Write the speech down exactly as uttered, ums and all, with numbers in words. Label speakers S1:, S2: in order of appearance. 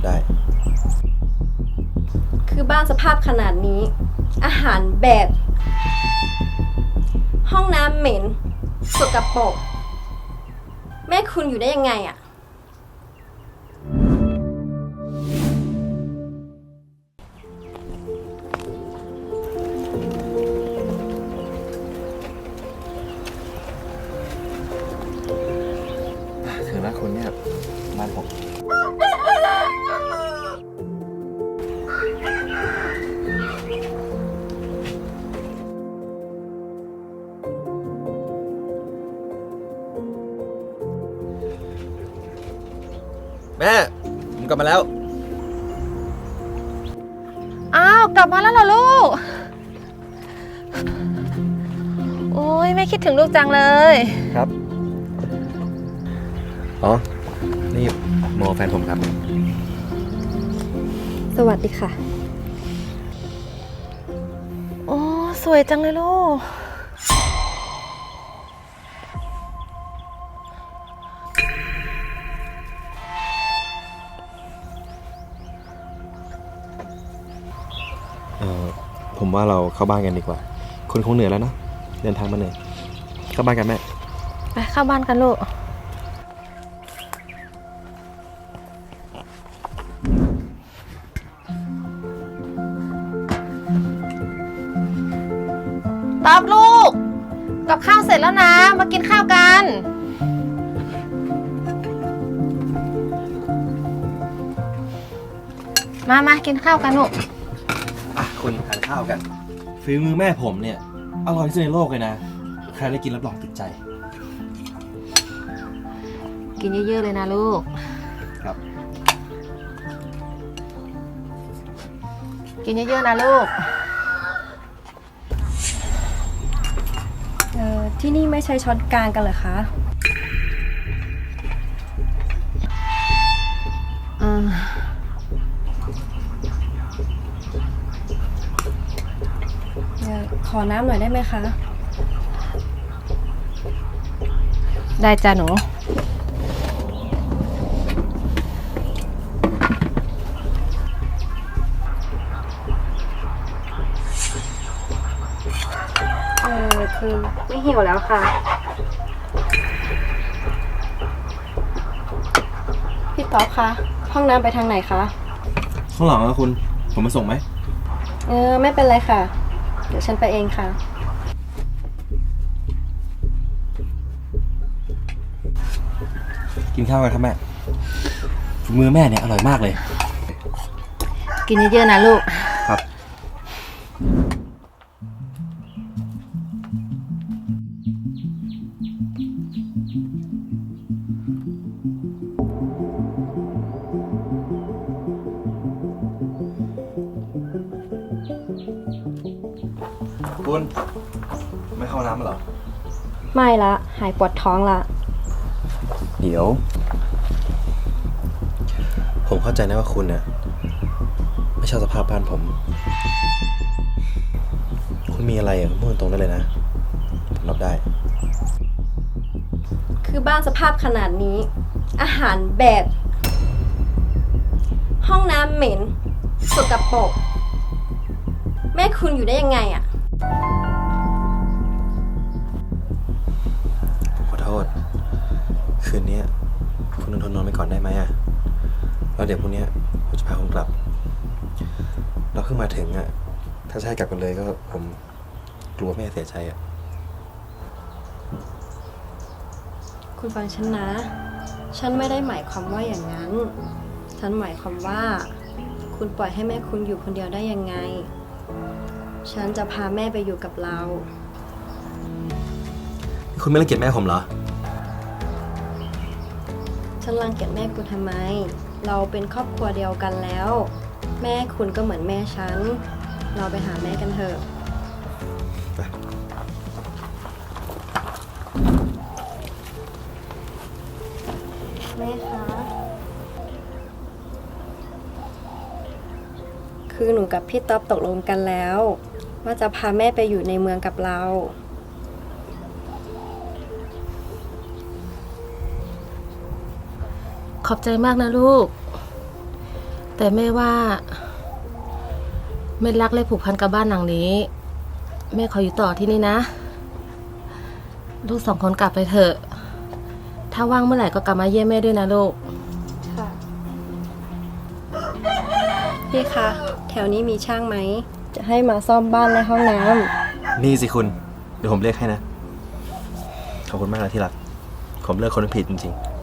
S1: ได้
S2: คือบ้านสภาพขนาดนี้อาหารแบบ ห้องน้ำเหม็นสกปรกแม่คุณอยู่ได้ยังไงอะ
S1: ถึงแล้วคุณเนี่ยบ้านผมแม่ผมกลับมาแล้ว
S3: อ้าวกลับมาแล้วเหรอลูกโอ้ยแม่คิดถึงลูกจังเลย
S1: ครับ อ๋อ นี่โมแฟนผมครับ
S2: สวัสดีค่ะ
S3: โอ้สวยจังเลยลูก
S1: เอ่อผมว่าเราเข้าบ้านกันดีกว่าคุณคงเหนื่อยแล้วเนอะเดินทางมาเหนื่อยเข้าบ้านกันแม่
S3: ไปเข้าบ้านกันลูกตอบลูกกับข้าวเสร็จแล้วนะมากินข้าวกันมามากินข้าวกันลูก
S1: อ่ะคุณทานข้าวกันฝีมือแม่ผมเนี่ยอร่อยที่สุดในโลกเลยนะใครได้กินรับรองติดใจ
S3: กินเยอะๆเลยนะลูก
S1: ครับ
S3: กินเยอะๆนะลูก
S2: เอ่อที่นี่ไม่ใช้ช้อนกลางกันเหรอคะอ่าเอ่อขอน้ำหน่อยได้ไหมคะ
S3: ได้จ้ะหนู
S2: เออคือไม่หิวแล้วค่ะ พี่ต๊อบคะห้องน้ำไปทางไหนคะ
S1: ข้างหลังอะคุณผมมาส่งไหม
S2: เออไม่เป็นไรค่ะ เดี๋ยวฉันไปเองค่ะ
S1: กินข้าวกันครับแม่ฝีมือแม่เนี่ยอร่อยมากเลย
S3: กินเยอะๆนะลูก
S1: ครับ คุณไม่เข้าน้ำเหรอ
S2: ไม่ละ หายปวดท้องละ
S1: เดี๋ยว ผมเข้าใจนะว่าคุณเนี่ยไม่ชอบสภาพบ้านผม คุณมีอะไรอ่ะพูดตรงๆได้เลยนะผมรับได้
S2: คือบ้านสภาพขนาดนี้ อาหารแบบ ห้องน้ำเหม็นสกปรกแม่คุณอยู่ได้ยังไงอะ
S1: ผมขอโทษ คืนนี้คุณนอนทนนอนไปก่อนได้ไหมอ่ะแล้วเดี๋ยวพรุ่งนี้ผมจะพาคุณกลับ เราเพิ่งมาถึงอ่ะถ้าจะให้กลับกันเลยก็ผมกลัวแม่เสียใจอ่ะ
S2: คุณฟังฉันนะ ฉันไม่ได้หมายความว่าอย่างนั้น ฉันหมายความว่า คุณปล่อยให้แม่คุณอยู่คนเดียวได้ยังไง ฉันจะพาแม่ไปอยู่กับเรา
S1: คุณไม่รังเกียจแม่ผมเหรอ
S2: ฉันรังเกียจแม่คุณทำไม เราเป็นครอบครัวเดียวกันแล้ว แม่คุณก็เหมือนแม่ฉัน เราไปหาแม่กันเถอะ แม่คะ คือหนูกับพี่ต๊อบตกลงกันแล้ว ว่าจะพาแม่ไปอยู่ในเมืองกับเรา
S3: ขอบใจมากนะลูกแต่แม่ว่าแม่รักและผูกพันกับบ้านหลังนี้ แม่ขออยู่ต่อที่นี่นะ ลูกสองคนกลับไปเถอะ ถ้าว่างเมื่อไหร่ก็กลับมาเยี่ยมแม่ด้วยนะลูก
S2: ค่ะ พี่คะ แถวนี้มีช่างไหม จะให้มาซ่อมบ้านและห้องน้ำ
S1: นี่สิคุณ เดี๋ยวผมเรียกให้นะ ขอบคุณมากนะที่รัก ผมเลือกคนผิดจริงๆ